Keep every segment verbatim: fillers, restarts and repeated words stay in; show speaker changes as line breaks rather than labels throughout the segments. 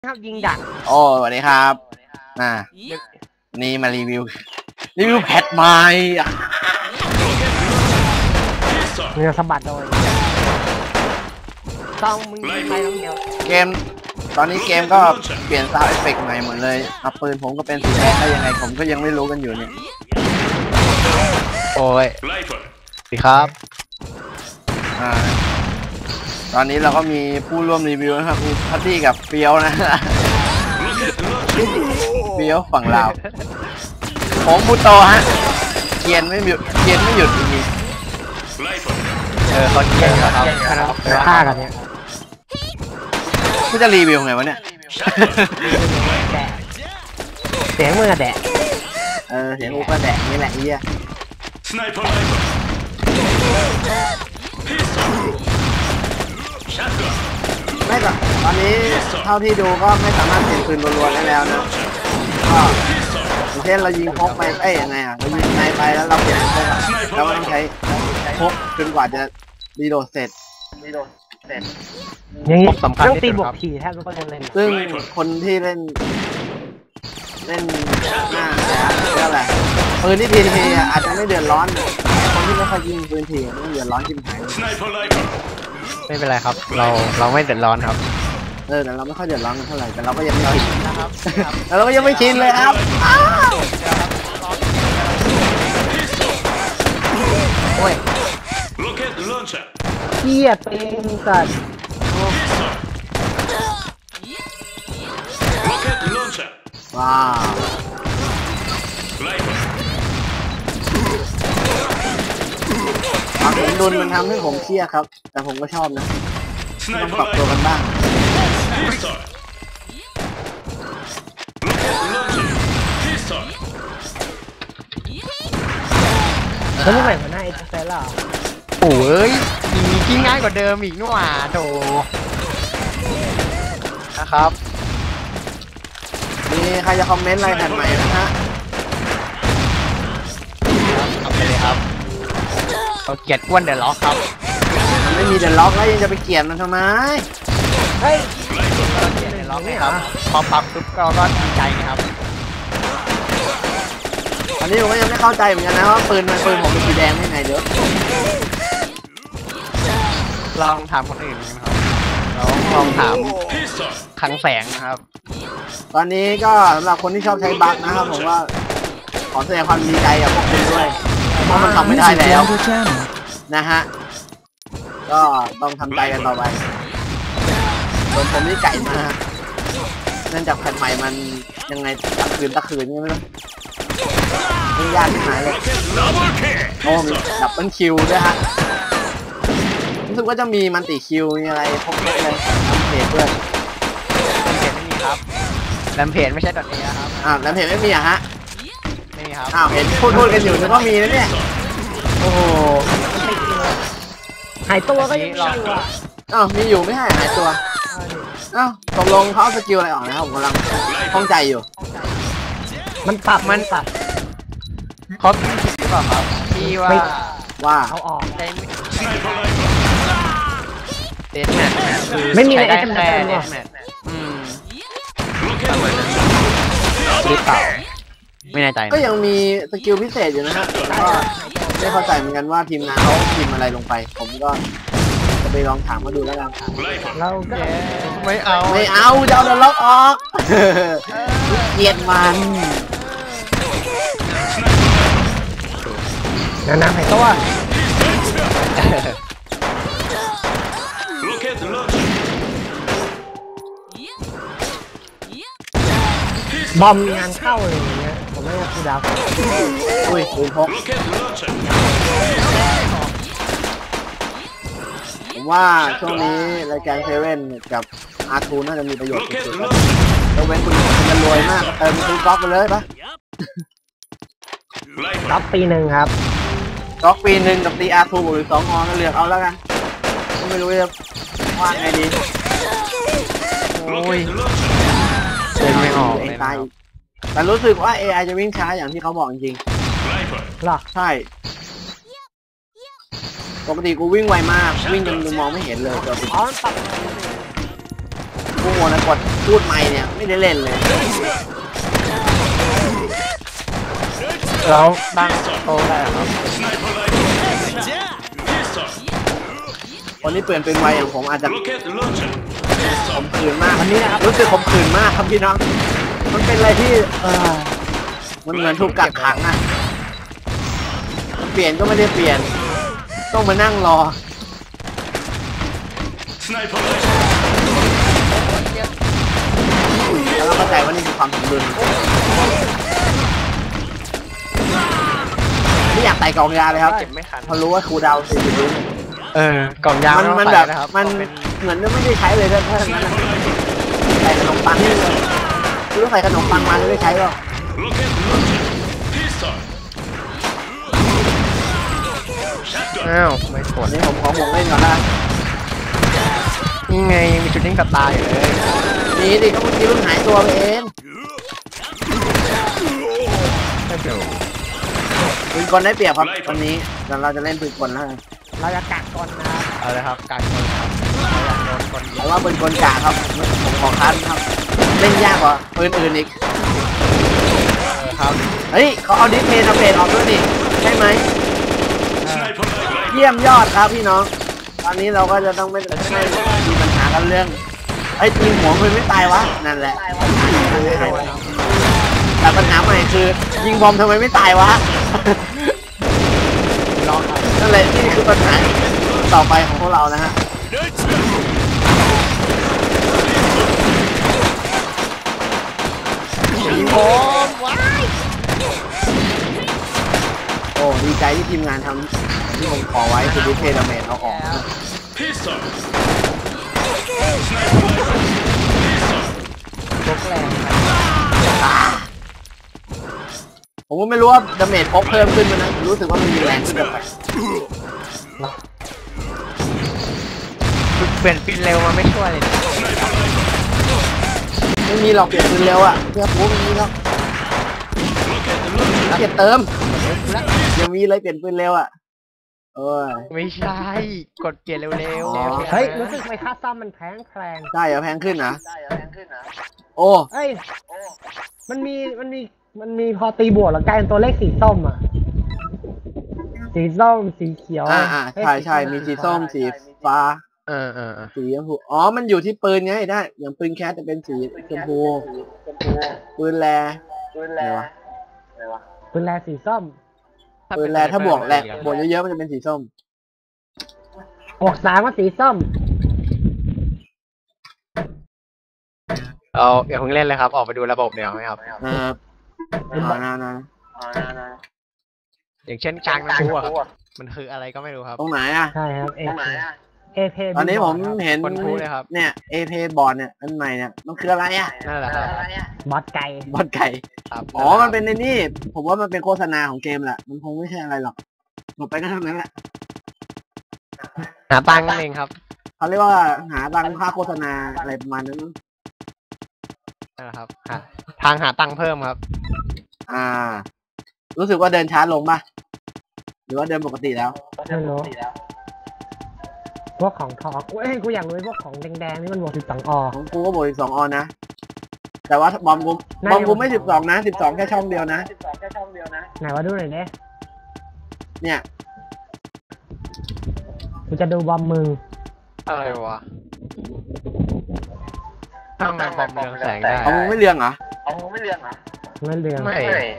ครับยิงดัก
โอ้สวัสดีครับอ่านี่มารีวิวรีวิวแพทใหม่
เรือสะบัดโดยต้องมึงไปต้องเดียว
เกมตอนนี้เกมก็เปลี่ยนซาวด์เอฟเฟกต์ใหม่หมดเลยเอาปืนผมก็เป็นสีแดงได้ยังไงผมก็ยังไม่รู้กันอยู่เนี่ย
โอ้ยดีครับ
อ่าตอนนี้เราก็มีผู้ร่วมรีวิวนะครับมีพัตตี้กับเฟียวนะเฟียวฝั่งลาวผมบูโตฮะเกียนไม่หยุดเกียนไม่หยุดจริง
ๆเออเขาเกียนครับ
ฆ่ากันเนี่ย
ไม่จะรีวิวไงวะเนี่ย
เสียงมือแดะ
เออเสียงอูก็แดะนี่แหละไอ้เหี้ยไม่หรอกตอนนี้เท่าที่ดูก็ไม่สามารถเปลี่ยนปืนรัวๆได้แล้วนะก็อย่างเช่นเรายิงพกไปเอ้ยยังไงอ่ะเรายิงในไปแล้วเราเปลี่ยนพกเราก็ต้องใช้พกจนกว่าจะรีโหลดเสร็จรีโหลดเสร็จ
อย่างนี้ต้องตีบวกผีแทบทุกคนเลย
ซึ่งคนที่เล่นเล่นหน้าเรียกอะไรปืนที่ทีทีอาจจะไม่เดือดร้อนคนที่ไม่ค่อยยิงปืนทีไม่เดือดร้อนจิ้มหาย
ไม่เป็นไรครับเราเราไม่เดือดร้อนครับ
เออแต่เราไม่ค่อยเดือดร้อนกันเท่าไหร่แต่เราก็ยังไม่ชินนะครับแต่เราก็ยังไม่ชินเลยครับโอ้ย
เกียดเป็นสัตว์
ว้าวความสมดุลมันทำให้ผมเครียดครับแต่ผมก็ชอบนะต้องปรับตัวกันบ้าง
แล้วนี่ใหม่หัวหน้าเอ็กซ์เซลล่ะ
โอ้ยมีที่ง่ายกว่าเดิมอีกนู่นอ่ะโถนะครับ
มีใครจะคอมเมนต์อะไรแผ่นใหม่นะฮะ
เอาไปเลยครับเขาเกลียดอ้วนเดอะล็อกครับ
มันไม่มีเดอะล็อกแล้วยังจะไปเกลียดมันทำไม
เฮ้ย
เกลียดเดอะล็อกนี่ครับพอปรับปุ๊บก็ก็ดีใจนะครับ
อันนี้ผมก็ยังไม่เข้าใจเหมือนกันนะว่าปืนมันปืนผมเป็นสีแดงได้ไงเด้อ
ลองถามคนอื่นนะครับลองลองถามคลังแสงนะครับ
ตอนนี้ก็สำหรับคนที่ชอบใช้บัคนะครับผมว่าขอแสดงความดีใจกับพวกคุณด้วยเพราะมันทำไม่ได้แล้วนะฮะก็ต้องทำใจกันต่อไปส่วนผมนี่ไก่มากเนื่องจากแผ่นใหม่มันยังไงตะคืนตะคืนใช่ไหมล่ะมันยากที่หายเลยโอ้มีดับเบิลคิวด้วยฮะรู้สึกว่าจะมีมันติคิวมีอะไรพกเยอะเลยทำเพจด้วย
เพจไม่มีครับแรมเพจไม่ใช่ดอทเอครับ
อ้าวแรมเพจไม่มีอะฮะ
ไม่มีครับ
อ้าวเห็นพูดพูดกันอยู่นึกว่ามีนะเนี่ยโอ้โห
หายตัวก็ยังมีอยู่อ่ะ
อ้าวมีอยู่ไม่ให้หายตัวอ้าวตกลงเขาสกิลอะไรออกนะครับผมกำลังข้องใจอยู่
มันปรับมันปรับ
ครบหรือเปล่าครับที่ว่า
ว่า
เอาออก
ได้เดสแมท
ไม่มีอะไร
ได้
แค่
เดสแมทอืมหรือเปล่าไม่แน่ใจ
ก็ยังมีสกิลพิเศษอยู่นะฮะก็ไม่เข้าใจเหมือนกันว่าทีมงานเขาพิมพ์อะไรลงไปผมก็จะไปลองถามมาดูแล้วกัน
เราก็
ไม่เอา
ไม่เอาจะเอาเดอะล็อกออกเกลียดมัน
น้ำน้ำหายตัวบอมงานเข้าเลยอย่างเงี้ยผมไม่อยากพูดดาว
อุ้ยปืนพกผมว่าช่วงนี้รายการเซเว่นกับอาร์ทูน่าจะมีประโยชน์สุดๆเราเป็นคุณจะรวยมากเติมซื้อก๊อกไปเลยปะ
ก๊อกปีหนึ่งครับ
ก๊อกปีหนึ่งกับตีอาร์ทูหรือสองอก็เลือกเอาแล้วกันไม่รู้จะว่าไงดี
โอ้ยเล่นไม่ออกเลย
แต่รู้สึกว่า เอ ไอ จะวิ่งช้าอย่างที่เขาบอกจริง
หรอ
ใช่ปกติกูวิ่งไวมากวิ่งจนมองไม่เห็นเลยตัวกู
อ๋อปรับ
กูโมนะกดพูดไม่เนี่ยไม่ได้เล่นเลย
แล้วตั้งโตได้ครับ
คนที่เปลี่ยนเป็นไวอย่างผมอาจจะขมขื่นมากอันนี้นะครับรู้สึกขมขื่นมากครับพี่น้องมันเป็นอะไรที่เออมันเหมือนถูกกักขังอะเปลี่ยนก็ไม่ได้เปลี่ยนต้องมานั่งรอแล้วเราเข้าใจว่านี่คือความสมดุลไม่อยากไต่กองยาเลยครับ
เก็บไม่ทัน
พอรู้ว่าครูดาวสี่สิบวิ
เออกล่องยา
มัน
ต้อง
มัน
ใส่
แบบ
นะครับ
มัน
เป็น
เหมือนไม่ได้ใช้เลยถ้าถ้าอย่างนั้นอะใส่ขนมปังนี่เลยรู้ใส่ขนมปังมาไม่ได้ใช้หรอก
อ้าวไม่ก
วั
ด
นนี้ผมขอห่วงเล่นก่อนนะ
นี่ไงมีชุดนิ่งกับตาอยู่เลย
นี่ดิก็เมื่อกี้เพิ่งหายตัวไปเอง
ก็เดี๋ยว
ปืนกลได้เปรียบครับวันนี้เดี๋ยวเราจะเล่นปืนกลแล้วกัน
เราจะกักก่อนนะ
เอาเลยครับการคนครับเราอยากโดนคนยิ
เพ
ง
ราะว่าปืนกลกะครับผมขอคัดครับเล่นยากกว่าปืนอื่นอีก
เออครับ
เฮ้ยเขาเอาดิสเพย์ทำเพจออกด้วยนี่ใช่ไหมเยี่ยมยอดครับพี่น้องตอนนี้เราก็จะต้องไม่ไม่มีปัญหากันเรื่องไอ้ทีมหัวมันไม่ตายวะนั่นแหละแต่ปัญหาใหม่คือยิงบอมทำไมไม่ตายวะ
ลองครับ
นั่นแหละนี่คือปัญหาต่อไปของพวกเรานะฮะยิงบอมว้ายโอ้ดีใจที่ทีมงานทำที่ผมขอไว้คือดิสเพย์ดาเมจเอาออกนะ
พกแรงครับ
ผมก็ไม่รู้ว่าดาเมจพกเพิ่มขึ้นมันนะรู้สึกว่ามันมีแรงขึ้นแบบ
เปลี่ยนปินเร็วมาไม่ช่วยเลย
ไม่มีหรอกเปลี่ยนปืนเร็วอ่ะเพื่อพูดไม่มีหรอกเปลี่ยนเติมยังมีเลยเปลี่ยนปืนเร็วอ่ะเออ
ไม่ใช่กดเปลี่ยนเร็ว
อ๋อ
ๆ
เฮ้ยรู้สึกไหมค่าซ่อมมันแพงแพง
ได้เหรอแพงขึ้นนะโอ้
เอ้ยมันมีมันมีมันมีพอตีบวกแล้วกลายเป็นตัวเลขสีส้มอ่ะสีส้มสีเขียว
อ่าอ่าใช่ใช่มีสีส้มสีฟ้า
เออเออเออ
สีชมพูอ๋อมันอยู่ที่ปืนไงได้อย่างปืนแคสจะเป็นสีชมพูปืนแรอะไรวะ
ปืนแรสีส้ม
ปืนแรถ้าบวกแรงบวกเยอะๆมันจะเป็นสีส้ม
บวกสามก็สีส้ม
เอาอย่าเพิ่งเล่นเลยครับ ออกไปดูระบบเดี๋ยวไหมครับ
เออเอานะนะ
อย่างเช่นกลางน้ำพุอะครับมันคืออะไรก็ไม่รู้ครับ
ตรงไหนอ่ะ
ใช่ครับเอเอเพ
ตอนนี้ผมเห็น
คนพูดเลยครับ
เนี่ยเอเพบอร์ดเนี่ยอันใหม่เนี่ยมันคืออะไรอ่ะ
นั่นแหละครับ
บอสไก่
บอลไก่
ครับ
อ๋อมันเป็นในนี่ผมว่ามันเป็นโฆษณาของเกมแหละมันคงไม่ใช่อะไรหรอกหมดไปก็เท่านั้นแหละ
หาตังค์นั่นเองครับ
เขาเรียกว่าหาตังค่าโฆษณาอะไรประมาณนั้น
นั่นแหละครับหาทางหาตังค์เพิ่มครับ
อ่า รู้สึกว่าเดินช้าลงป่ะหรือว่าเดินปกติแล้ว
ไม่รู้พวกของทองเอ้ยกูอยากรู้พวกของแดงๆนี่มันบวกสิบสองอ
ของกูก็บวกสิบสองออนนะแต่ว่าบอมกูบอมกูไม่สิบสองนะสิบสองแค่ช่องเดียวนะ
ไหนว่าดูหน่อยเด้
เนี่ย
กูจะดูบอมมึง
อะไรวะทำไมบอมเรืองแสงได้
เอามึงไม่เรืองเหรอ
ไม่เรื่อง
ไม่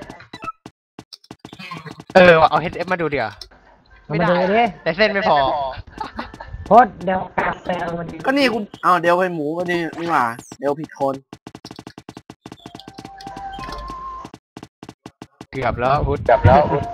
เออว่ะเอา เอช เอฟ มาดูเดี๋ยว
เอามาดูดิ
แต่เส้นไม่พอ
โคตรเดี๋ยวกาแฟเอามาดิ
ก็นี่กูเอาเดี๋ยวไปหมูก็นี่นี่หว่าเดี๋ยวผิดคน
เกือบแล้วพุทธเกือบแล้ว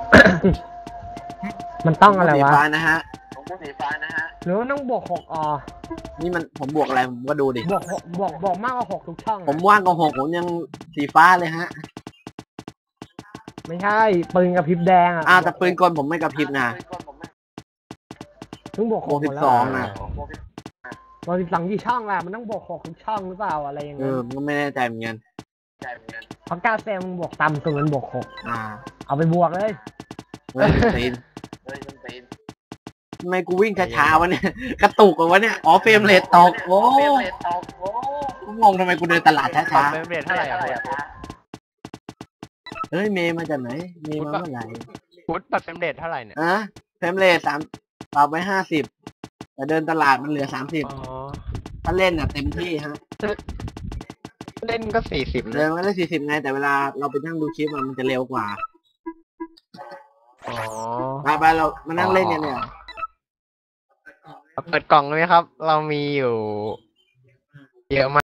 มันต้องอะไร
สี
วะ
ฟ้านะฮะ
หรือว่าต้องบวกหกอ
นี่มันผมบวกอะไรผมก็ดูดิ
บวกหกบวกบวกมากกว่าหกทุกช่องอะ
ผมว่างกว่าหกผมยังสีฟ้าเลยฮะ
ไม่ใช่ปืนกับพริบแดงอ่ะ
อ้าวแต่ปืนกลผมไม่กระพริบนะ
ต้องบวกห
บว
ก
ก
ห
สิ
มด
บ
แล้ว
สองนะ
บวกสิบสองกี่ช่องล่ะมันต้องบวกหกทุกช่องหรือเปล่าอะไรอย่าง
เอ
เงี้ย
อมันก็ไม่แน่ใจเหมือนกัน
เพราะกาแฟมึงบวกต่ำสุดมันบวกหก
อ่า
เอาไปบวกเลย
เฮ้ยตีนทำไมกูวิ่งช้าๆวะเนี่ย กระตุกกวะเนี่ย อ๋อเฟรมเรทตกโอ้งงทำไมกูเดินตลาด
ปรั
ช้า
บเฟรมเรทเท่าไหร่อะ
ๆเฮ้ยเมย์มาจากไหนเมย์มาเมื่อไหร่
พุทธปรับเฟรมเรทเท่าไหร่เนี่ย
อะเฟรมเรทสามปรับไว้ห้าสิบแต่เดินตลาดมันเหลือสามสิบ
อ๋อ
ถ้าเล่นอ่ะเต็มที่ฮะ
เล่นก็สี่สิบ
เดินมาได้สี่สิบไงแต่เวลาเราไปนั่งดูคลิปอะมันจะเร็วกว่า
อ๋อ
ไปไปเรามานั่งเล่นกันเนี่ย
เปิดกล่องเลยไหมครับ เรามีอยู่เยอะมาก